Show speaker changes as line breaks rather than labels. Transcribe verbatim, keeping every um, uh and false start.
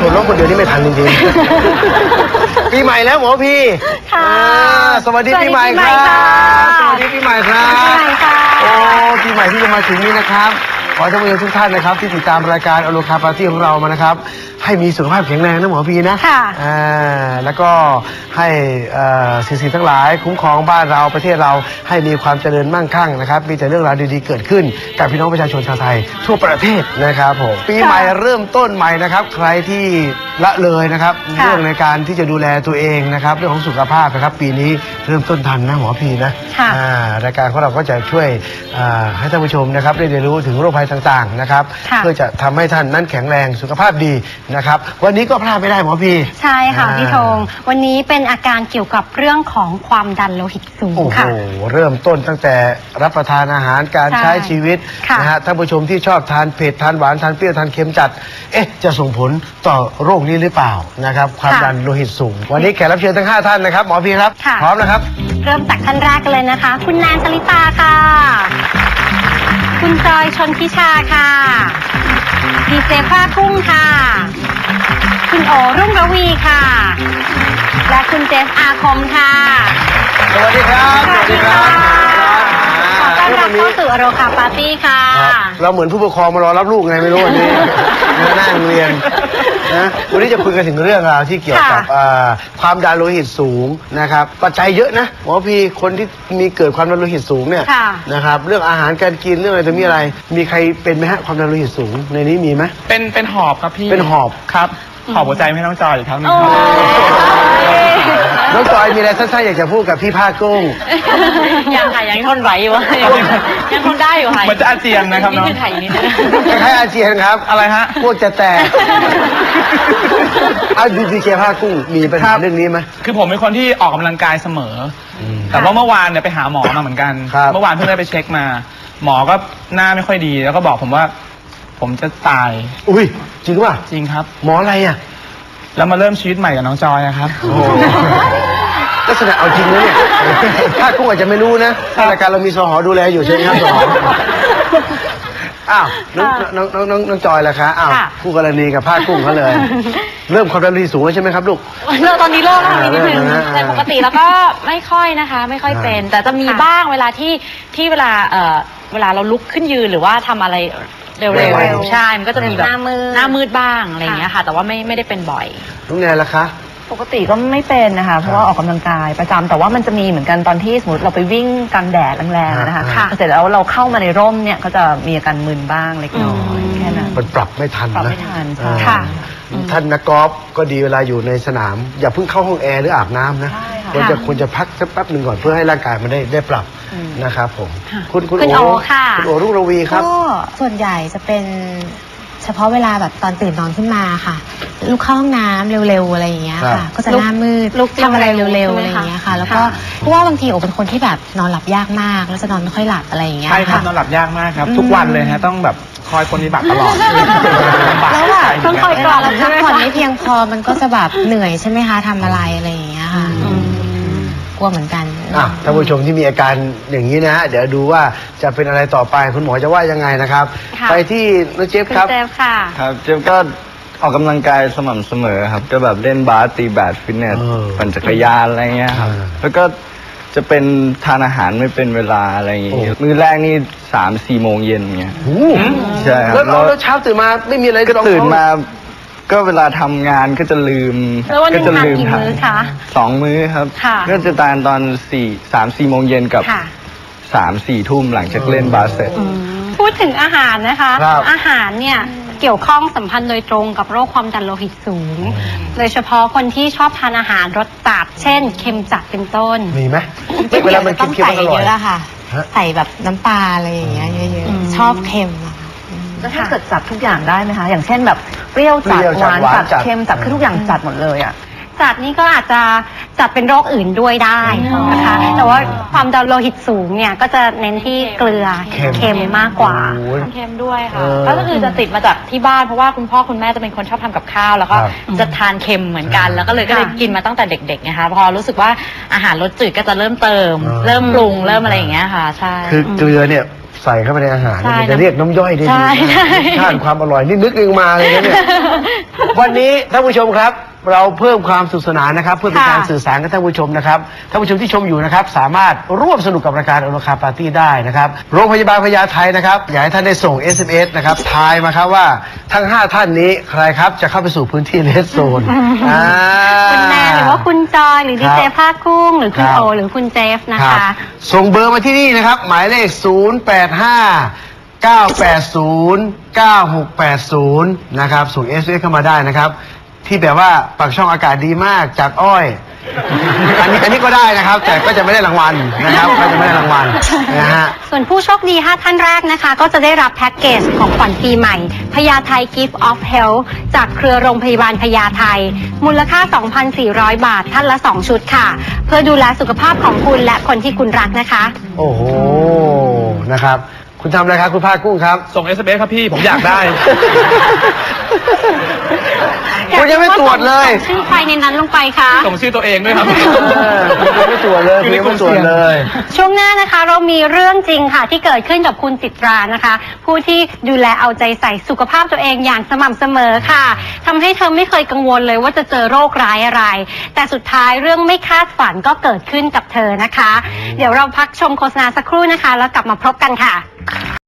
วดรถคนเดียวนี่ไม่ทันจริงๆปีใหม่แล้วหมอพีค่ะสวัสดีปีใหม่ครับสวัสดีปีใหม่ครับโอ้ปีใหม่ที่จะมาถึงนี้นะครับขอท่านผู้ชมทุกท่านนะครับที่ติดตามรายการอโลคาปาร์ตี้ของเรามานะครับให้มีสุขภาพแข็งแรงนะหมอพีนะค่ะอ่าแล้วก็ให้สิ่งสิ่งทั้งหลายคุ้มครองบ้านเราประเทศเราให้มีความเจริญมั่งคั่งนะครับมีแต่เรื่องราวดีๆเกิดขึ้นกับพี่น้องประชาชนชาวไทยทั่วประเทศนะครับผมปีใหม่เริ่มต้นใหม่นะครับใครที่ละเลยนะครับเรื่องในการที่จะดูแลตัวเองนะครับเรื่องของสุขภาพนะครับปีนี้เริ่มต้นทันนะหมอพีนะรายการของเราก็จะช่วยให้ท่านผู้ชมนะครับได้เรียนรู้ถึงโรคภัยต่างๆนะครับเพื่อจะทำให้ท่านนั้นแข็งแรงสุขภาพดีนะครับวันนี้ก็พลาดไม่ได้หมอพี
ใช่ค่ะพี่ธงวันนี้เป็นอาการเกี่ยวกับเรื่องของความดันโลหิตสูงค่ะ
โอ้โหเริ่มต้นตั้งแต่รับประทานอาหารการใช้ชีวิตนะฮะท่านผู้ชมที่ชอบทานเผ็ดทานหวานทานเปรี้ยวทานเค็มจัดเอ๊ะจะส่งผลต่อโรคนี้หรือเปล่านะครับความดันโลหิตสูงวันนี้แขกรับเชิญทั้งห้าท่านนะครับหมอพีครับพร้อมนะครับ
เริ่มจากท่านแรกกันเลยนะคะคุณแนนชลิตาค่ะคุณจอยชนทิชาค่ะดีเจผ้ากุ้งค่ะคุณโอรุ่งระวีค่ะและคุณเจสอาคมค่ะ
สวัสดีครับ
สวัสดีครับขอต้อนรับเข้าสู่อโรคาปาร์ตี้ค่ะ
เราเหมือนผู้ปกครองมารอรับลูกไงไม่รู้วันนี้นั่งเรียนนะวันนี้จะคุยกันถึงเรื่องราวที่เกี่ยวกับความดันโลหิตสูงนะครับปัจจัยเยอะนะหมอพีคนที่มีเกิดความดันโลหิตสูงเนี่ยนะครับเรื่องอาหารการกินเรื่องอะไรจะมีอะไรมีใครเป็นไหมฮะความดันโลหิตสูงในนี้มีไหม
เป็นเป็นหอบครับพี่
เป็นหอบ
ครับหอบหัวใจไม่ต้องจอยอีกครับ
น้องจอยมีอะไรสั้นๆอยากจะพูดกับพี่ผ้ากุ้ง
ยังค่ะยังทนไหวอยู่ยังทนได้อยู่ค่ะ
มันจะอาเจียนนะครับน้อง
ไทยนี่
แค่อาเจียนครับ
อะไรฮะ
พวกจะแตกเอาดีดีเจผ้ากุ้งมีปัญหาเรื่องนี้ไหม
คือผมเป็นคนที่ออกกำลังกายเสมอแต่ว่าเมื่อวานเนี่ยไปหาหมอมาเหมือนกันเมื่อวานเพิ่งได้ไปเช็คมาหมอก็หน้าไม่ค่อยดีแล้วก็บอกผมว่าผมจะตาย
อุ้ยจริงป่ะ
จริงครับ
หมออะไรอ่ะ
แล้วมาเริ่มชีวิตใหม่กับน้องจอยนะครับโอ้
ลักษณะเอาจริงนะเนี่ยถ้ากุ้งอาจจะไม่รู้นะรายการเรามีสหดูแลอยู่ใช่ไหมครับสหอ้าวน้องน้องน้องน้องน้องจอยล่ะคะอ้าวคู่กรณีกับผ้ากุ้งเขาเลยเริ่มความดันโลหิตสูงใช่ไหมครับลูก
เริ่มตอนนี้เริ่มแล้วนิดนึงแต่ปกติแล้วก็ไม่ค่อยนะคะไม่ค่อยเป็นแต่จะมีบ้างเวลาที่ที่เวลาเอ่อเวลาเราลุกขึ้นยืนหรือว่าทำอะไรเร็วๆใช่มันก็จะมีแบบหน้ามืดหน้ามืดบ้างอะไรอย่างเงี้ยค่ะแต่ว่าไม่ไม่ได้เป็นบ่อย
น้องแนนล่ะคะ
ปกติก็ไม่เป็นนะคะเพราะว่าออกกำลังกายประจำแต่ว่ามันจะมีเหมือนกันตอนที่สมมติเราไปวิ่งกลางแดดแรงๆนะคะเสร็จแล้วเราเข้ามาในร่มเนี่ยก็จะมีอาการมึนบ้างเล็กน้อยแค่นั้น
มันปรับไม่ทัน
ปรับไม่ทัน
ค่ะท่านนักกอล์ฟก็ดีเวลาอยู่ในสนามอย่าเพิ่งเข้าห้องแอร์หรืออาบน้ำนะควรจะควรจะพักสักแป๊บหนึ่งก่อนเพื่อให้ร่างกายมันได้ได้ปรับนะครับผม
คุณคุณโอค่ะ
คุณโอรุ่งระวีครับ
ก็ส่วนใหญ่จะเป็นเฉพาะเวลาแบบตอนตื่นนอนขึ้นมาค่ะลุกเข้าห้องน้ำเร็วๆอะไรอย่างเงี้ยค่ะก็จะหน้ามืดทำอะไรเร็วๆอะไรอย่างเงี้ยค่ะแล้วก็เพราะว่าบางทีโอเป็นคนที่แบบนอนหลับยากมากแล้วจะนอนไม่ค่อยหลับอะไรอย่างเงี้ย
ใช่ครับนอนหลับยากมากครับทุกวันเลยฮะต้องแบบคอยปฏิบัติตลอด
แล้วแบบต้องคอยกรอกแล้วพักผ่อนไม่เพียงพอมันก็จะแบบเหนื่อยใช่ไหมคะทำอะไรอะไรอย่างเงี้ยค่ะกลัวเหมือนกัน
อ่ะท่านผู้ชมที่มีอาการอย่างนี้นะฮะเดี๋ยวดูว่าจะเป็นอะไรต่อไปคุณหมอจะว่ายังไงนะครับไปที่น้องเจฟครับ
เจฟค่ะ
ครับเจฟก็ออกกำลังกายสม่ำเสมอครับก็แบบเล่นบาสตีแบดฟิตเนสปั่นจักรยานอะไรเงี้ยครับแล้วก็จะเป็นทานอาหารไม่เป็นเวลาอะไรอย่างเงี้ยมื้อแรกนี่สามสี่โมงเย็นเงี้ยใช่ครับ
แล้วเช้าตื่นมาไม่มีอะไร
ก็ตื่นมาก็เวลาทำงานก็จะลืม
ก็จะลืมท
ำสองมื้อครับก็จะทานตอนสี่สามสี่โมงเย็นกับสามสี่ทุ่มหลังจากเล่นบาสเสร็จ
พูดถึงอาหารนะคะอาหารเนี่ยเกี่ยวข้องสัมพันธ์โดยตรงกับโรคความดันโลหิตสูงโดยเฉพาะคนที่ชอบทานอาหารรสจัดเช่นเค็มจัดเป็นต้น
มีไหม
เวลามันต้องใส่เยอะอะค่ะใส่แบบน้ำปลาอะไรอย่างเงี้ยเยอะๆชอบเค็มอะ
แล้วถ้าเกิดจัดทุกอย่างได้ไหมคะอย่างเช่นแบบเปรี้ยวจัดหวานจัดเค็มจัดคือทุกอย่างจัดหมดเลยอ่ะ
จัดนี่ก็อาจจะจัดเป็นโรคอื่นด้วยได้นะคะ แต่ว่าความดันโลหิตสูงเนี่ยก็จะเน้นที่เกลือ
เค็ม
เค็มมากกว่า
โอ้ย
เค็มด้วยค่ะ
เออ
ก็คือจะติดมาจากที่บ้านเพราะว่าคุณพ่อคุณแม่จะเป็นคนชอบทำกับข้าวแล้วก็
ครับ
จะทานเค็มเหมือนกัน แล้วก็เลยก็เลย
ค่ะ
กินมาตั้งแต่เด็กๆนะคะพอรู้สึกว่าอาหารรสจืดก็จะเริ่มเติม
อ่า
เริ่มปรุงเริ่มอะไรอย่างเงี้ยค่ะใช่
คือเกลือเนี่ยใส่เข้าไปในอาหารเนี่ย
ใช่
มันจะเรียกน้ำย่อยได้
ใช่
ดี
ใช่
ชาติความอร่อยนี่นึกเองมาเลยนะเนี่ย วันนี้ท่านผู้ชมครับ เราเพิ่มความสนุขสนานนะครับ เพื่อเป็นการ
ค่ะ
สื่อสารกับท่านผู้ชมนะครับท่านผู้ชมที่ชมอยู่นะครับ สามารถร่วมสนุกกับรายการอโลคาปาร์ตี้ได้นะครับโรงพยาบาลพญาไทนะครับอยากให้ท่านได้ส่ง เอส เอ็ม เอส นะครับทายมาครับว่าทั้งห้าท่านนี้ใครครับจะเข้าไปสู่พื้นที่เลสโซนอ่า
คุณแนนหรือว่าคุณจอยหรือดีเจ
ครับ
ภาคกุ้งหรือคุณ
ครับ
โอหรือคุณเจฟนะ
ครั
คะ
บส่งเบอร์มาที่นี่นะครับ หมายเลข ศูนย์ แปด ห้า เก้า แปด ศูนย์ เก้า หก แปด ศูนย์ นะครับส่ง เอส เอ็ม เอส เข้ามาได้นะครับ ที่แบบว่าปากช่องอากาศดีมากจากอ้อย อันนี้อันนี้ก็ได้นะครับ แต่ก็จะไม่ได้รางวัลนะครับก็จะไม่ได้รางวัลนะฮะ
ส่วนผู้โชคดีห้าท่านแรกนะคะ ก็จะได้รับแพ็กเกจของขวัญปีใหม่พญาไท Gift of Health จากเครือโรงพยาบาลพญาไทมูลค่า สองพันสี่ร้อย บาทท่านละสองชุดค่ะ เพื่อดูแลสุขภาพของคุณและคนที่คุณรักนะคะ
โอ้โหนะครับ คุณทำอะไรครับคุณภาคกุ้งครับ
ส่ง เอส เอ็ม เอส ครับพี่ผมอยากได้
คุณยังไม่ตรวจเลย
ชื่อใครในนั้นลงไปคะ
ส่งชื่อตัวเองด้วยครับ
เออคุณยังไม่ตรวจเลยคุณยังไม่ตรวจเลย
ช่วงหน้านะคะเรามีเรื่องจริงค่ะที่เกิดขึ้นกับคุณจิตรานะคะ ผู้ที่ดูแลเอาใจใส่สุขภาพตัวเองอย่างสม่ำเสมอค่ะทำให้เธอไม่เคยกังวลเลยว่าจะเจอโรคร้ายอะไร แต่สุดท้ายเรื่องไม่คาดฝันก็เกิดขึ้นกับเธอนะคะ เดี๋ยวเราพักชมโฆษณาสักครู่นะคะ แล้วกลับมาพบกันค่ะ